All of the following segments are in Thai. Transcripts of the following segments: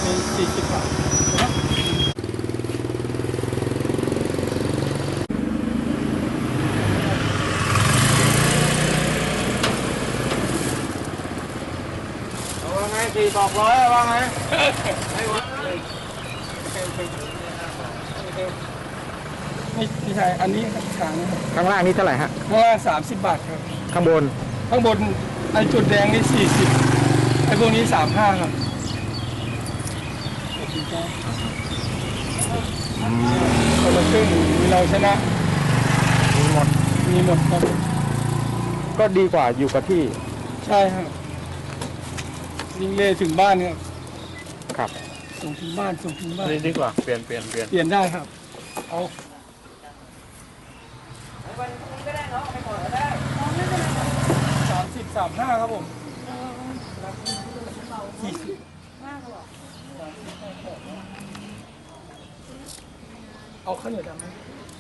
เป็น40 บาทนะว่าไง400ว่าไงไม่วัดเลยไม่ใช่อันนี้ครับช้างครับข้างล่างนี่เท่าไหร่ฮะข้างล่าง30 บาทครับข้างบนข้างบนไอ้จุดแดงนี่40ไอ้พวกนี้35ครับคนละครึ่งมีเราชนะมีหมดมีหมดครับก็ดีกว่าอยู่กับที่ใช่ครับยิงเล่ถึงบ้านครับครับส่งถึงบ้านส่งถึงบ้านนี่ดีกว่าเปลี่ยนเปลี่ยนได้ครับเอา30 35ครับผมเอาข้าวเหนียวดำไหม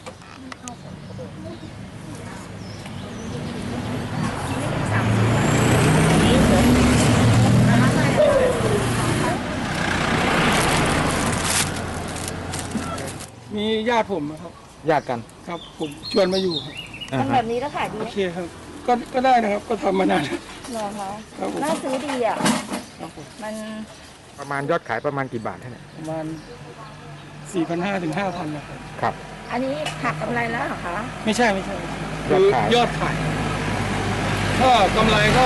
มีญาติผมนะครับญาติกันครับผมชวนมาอยู่ครับอ่าทำแบฮะบนี้แล้วขายดีโอไหมเคครับก็ได้นะครับ ก็ทำมานานเหรอคะครับผมน่าซื้อดีอ่ะครับผมมันประมาณยอดขายประมาณกี่บาทเนี่ยประมาณ 4,500 ถึง 5,000นะครับครับอันนี้หักกำไรแล้วเหรอคะไม่ใช่ยคืออดขายยอดขายก็กำไรก็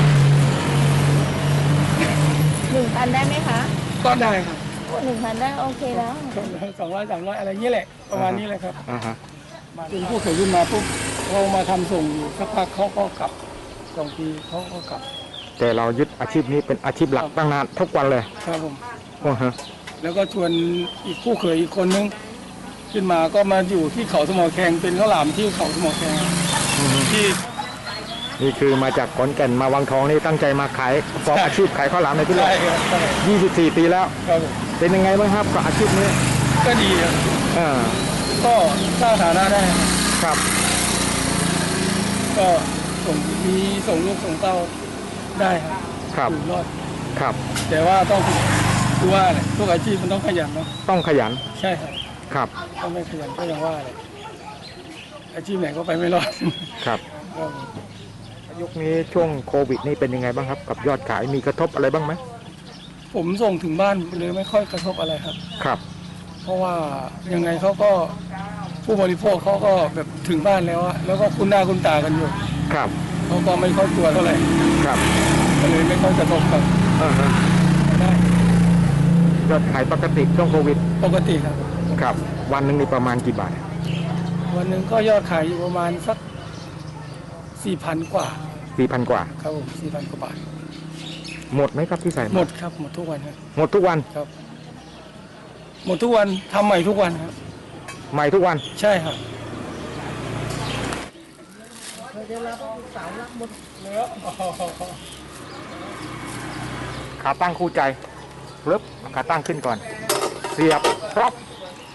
1,000 ได้ไหมคะก็ได้ครับ 1,000 ได้โอเคแล้ว 200 300อะไรเงี้ยแหละประมาณนี้แหละครับอ่าฮะถึงผู้เขยขึ้นมาปุ๊บเขามาทำส่งอยู่สักพักเขาก็กลับ2 ปีเขาก็กลับแต่เรายึดอาชีพนี้เป็นอาชีพหลักตั้งนานทุกวันเลยครับผมโอ้ฮะแล้วก็ชวนอีกผู้เขยอีกคนนึงขึ้นมาก็มาอยู่ที่เขาสมอแขงเป็นข้าวหลามที่เขาสมอแขงอือฮึที่นี่คือมาจากขอนแก่นมาวังทองนี่ตั้งใจมาขายประกอบอาชีพขายข้าวหลามในที่ใช่นี่ครับใช่ 24 ปีแล้วครับผมเป็นยังไงบ้างครับกับอาชีพนี้ก็ดีครับอ่าก็สร้างฐานะได้ครับครับก็มีส่งลูกส่งเต้าได้ครับครับอยู่รอดครับแต่ว่าต้องคือว่าแหละทุกอาชีพมันต้องขยันเนาะต้องขยันใช่ครับครับถ้าไม่ขยันก็ยังว่าเลยอาชีพไหนก็ไปไม่รอดครับครับยุคนี้ช่วงโควิดนี่เป็นยังไงบ้างครับ กับยอดขายมีกระทบอะไรบ้างไหมผมส่งถึงบ้านเลยไม่ค่อยกระทบอะไรครับครับเพราะว่ายังไงเขาก็ผู้บริโภคเขาก็แบบถึงบ้านแล้วอะแล้วก็คุ้นหน้าคุ้นตากันอยู่ครับเขาก็ไม่ค่อยกลัวเท่าไหร่ครับก็เลยไม่ค่อยกระทบครับอ่าฮะได้ยอดขายปกติช่วงโควิดปกติครับครับ วันหนึ่งนี่ประมาณกี่บาทวันหนึ่งก็ยอดขายอยู่ประมาณสัก 4,000 กว่า 4,000 กว่าครับผม 4,000 กว่าบาทหมดไหมครับที่ใส่าหมดครับหมดทุกวันครับหมดทุกวันครับ หมดทุกวันทำใหม่ทุกวันครับใหม่ทุกวันใช่ครับขาตั้งคู่ใจปึ๊บขาตั้งขึ้นก่อน เสียบปั๊บ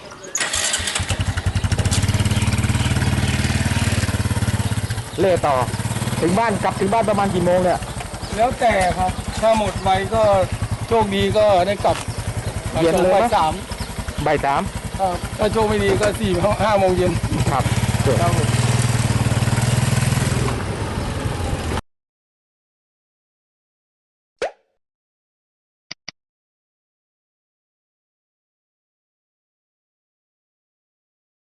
เล่ต่อ ถึงบ้านกลับถึงบ้านประมาณกี่โมงเนี่ยแล้วแต่ครับ ถ้าหมดไวก็โชคดีก็ได้กลับเย็นเลยบ่ายนะสามบ่าย 3 ครับถ้าโชคไม่ดีก็4-5 โมงเย็นครับครับผม